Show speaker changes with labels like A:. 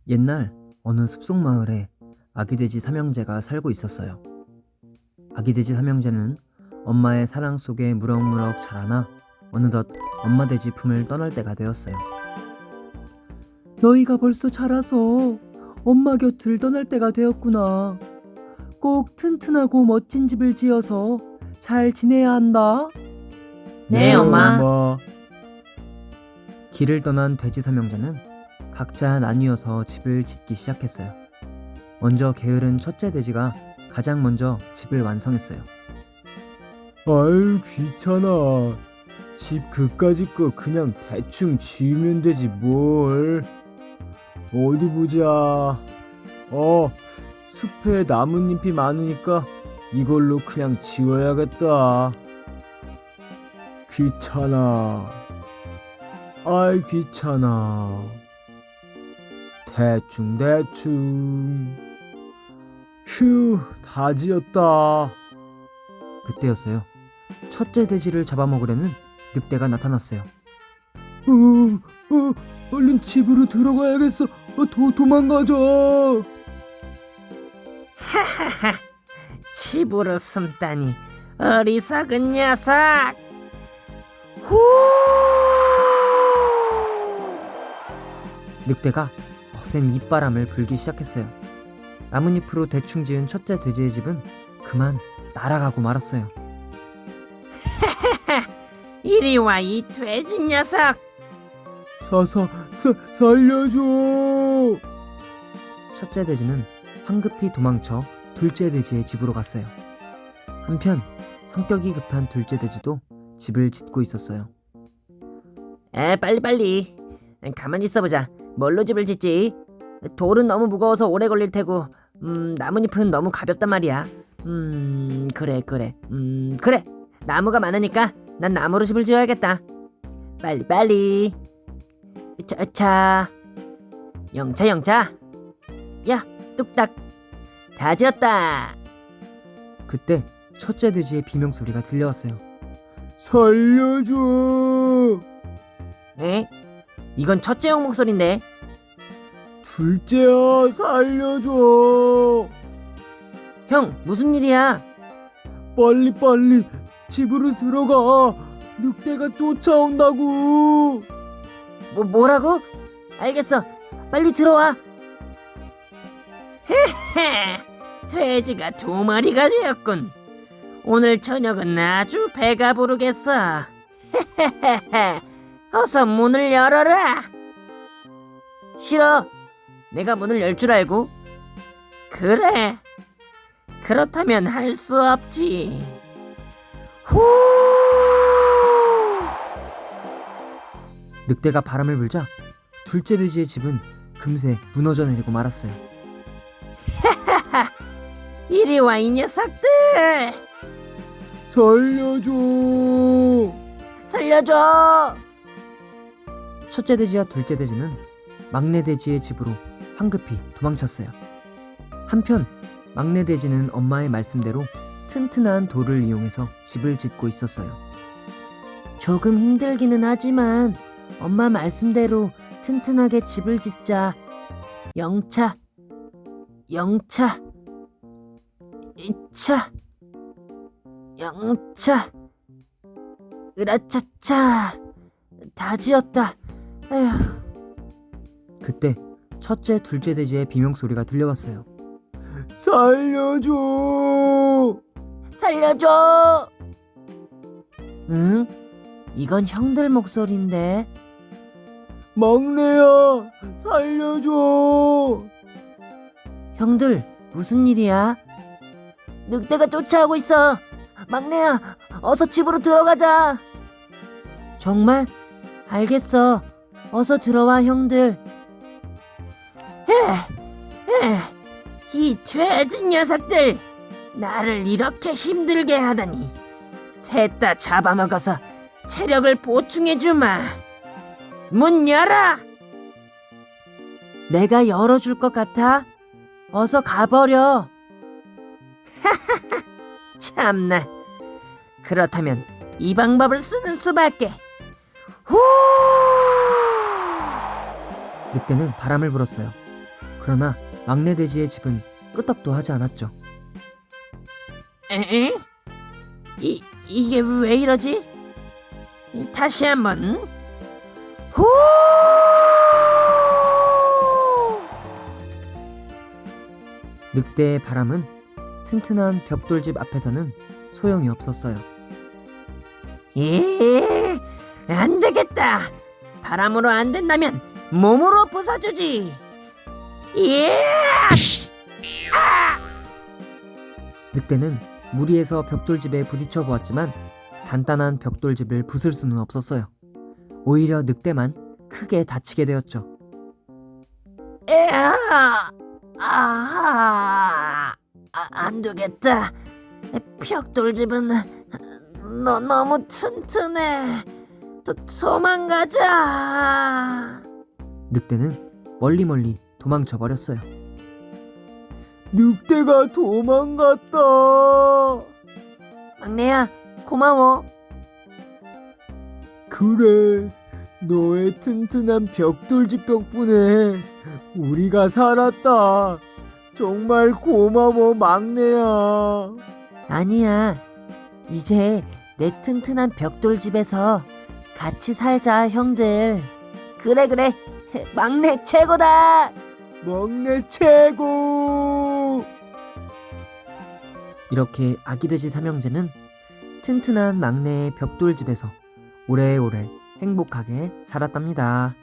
A: 옛날 어느 숲속 마을에 아기 돼지 삼형제가 살고 있었어요. 아기 돼지 삼형제는 엄마의 사랑 속에 무럭무럭 자라나 어느덧 엄마 돼지 품을 떠날 때가 되었어요. 너희가 벌써 자라서 엄마 곁을 떠날 때가 되었구나. 꼭 튼튼하고 멋진 집을 지어서 잘 지내야 한다.
B: 네, 엄마.
A: 길을 떠난 돼지 삼형제는 각자 나뉘어서 집을 짓기 시작했어요. 먼저 게으른 첫째 돼지가 가장 먼저 집을 완성했어요. 아유, 귀찮아. 집 그까짓 거 그냥 대충 지으면 되지 뭘. 어디 보자. 숲에 나뭇잎이 많으니까 이걸로 그냥 지워야겠다. 귀찮아. 아이, 귀찮아. 대충. 휴, 다 지었다. 그때였어요. 첫째 돼지를 잡아먹으려는 늑대가 나타났어요. 얼른 집으로 들어가야겠어. 도망가자.
B: 하하하, 집으로 숨다니 어리석은 녀석. 후!
A: 늑대가 거센 입바람을 불기 시작했어요. 나뭇잎으로 대충 지은 첫째 돼지의 집은 그만 날아가고 말았어요.
B: 이리 와, 이 돼지 녀석.
A: 살려줘. 첫째 돼지는 황급히 도망쳐 둘째 돼지의 집으로 갔어요. 한편 성격이 급한 둘째 돼지도 집을 짓고 있었어요.
B: 빨리. 가만히 있어보자. 뭘로 집을 짓지? 돌은 너무 무거워서 오래 걸릴 테고, 나뭇잎은 너무 가볍단 말이야. 그래. 나무가 많으니까 난 나무로 집을 지어야겠다. 빨리. 차. 영차. 야, 뚝딱. 다 지었다.
A: 그때 첫째 돼지의 비명소리가 들려왔어요. 살려줘.
B: 에? 이건 첫째 형 목소리인데.
A: 둘째야, 살려줘.
B: 형, 무슨 일이야?
A: 빨리 집으로 들어가. 늑대가 쫓아온다고.
B: 뭐라고? 알겠어. 빨리 들어와. 헤헤, 돼지가 2마리가 되었군. 오늘 저녁은 아주 배가 부르겠어. 헤헤헤헤, 어서 문을 열어라. 싫어. 내가 문을 열 줄 알고? 그래. 그렇다면 할 수 없지. 후!
A: 늑대가 바람을 불자 둘째 돼지의 집은 금세 무너져 내리고 말았어요.
B: 이리 와, 이 녀석들. 살려줘.
A: 첫째 돼지와 둘째 돼지는 막내 돼지의 집으로 황급히 도망쳤어요. 한편 막내 돼지는 엄마의 말씀대로 튼튼한 돌을 이용해서 집을 짓고 있었어요.
B: 조금 힘들기는 하지만 엄마 말씀대로 튼튼하게 집을 짓자. 영차. 이차. 영차. 으라차차. 다 지었다. 에휴.
A: 그때 첫째, 둘째 돼지의 비명소리가 들려왔어요. 살려줘.
B: 응? 이건 형들 목소리인데.
A: 막내야, 살려줘.
B: 형들, 무슨 일이야? 늑대가 쫓아오고 있어. 막내야, 어서 집으로 들어가자. 정말? 알겠어. 어서 들어와, 형들. 이 돼지 녀석들, 나를 이렇게 힘들게 하다니. 셋 다 잡아먹어서 체력을 보충해주마. 문 열어. 내가 열어줄 것 같아? 어서 가버려. 참나. 그렇다면 이 방법을 쓰는 수밖에. 후!
A: 늑대는 바람을 불었어요. 그러나 막내 돼지의 집은 끄떡도 하지 않았죠.
B: 에? 이게 왜 이러지? 다시 한번. 후!
A: 늑대의 바람은 튼튼한 벽돌집 앞에서는 소용이 없었어요.
B: 예, 안 되겠다. 바람으로 안 된다면 몸으로 부숴주지. 예!
A: 늑대는 무리해서 벽돌집에 부딪혀 보았지만 단단한 벽돌집을 부술 수는 없었어요. 오히려 늑대만 크게 다치게 되었죠.
B: 안 되겠다. 벽돌집은 너무 튼튼해. 도망가자.
A: 늑대는 멀리 도망쳐 버렸어요. 늑대가 도망갔다.
B: 막내야, 고마워.
A: 그래, 너의 튼튼한 벽돌집 덕분에 우리가 살았다. 정말 고마워, 막내야.
B: 아니야. 이제 내 튼튼한 벽돌집에서 같이 살자, 형들. 그래. 막내 최고다.
A: 막내 최고! 이렇게 아기돼지 삼형제는 튼튼한 막내의 벽돌집에서 오래오래 행복하게 살았답니다.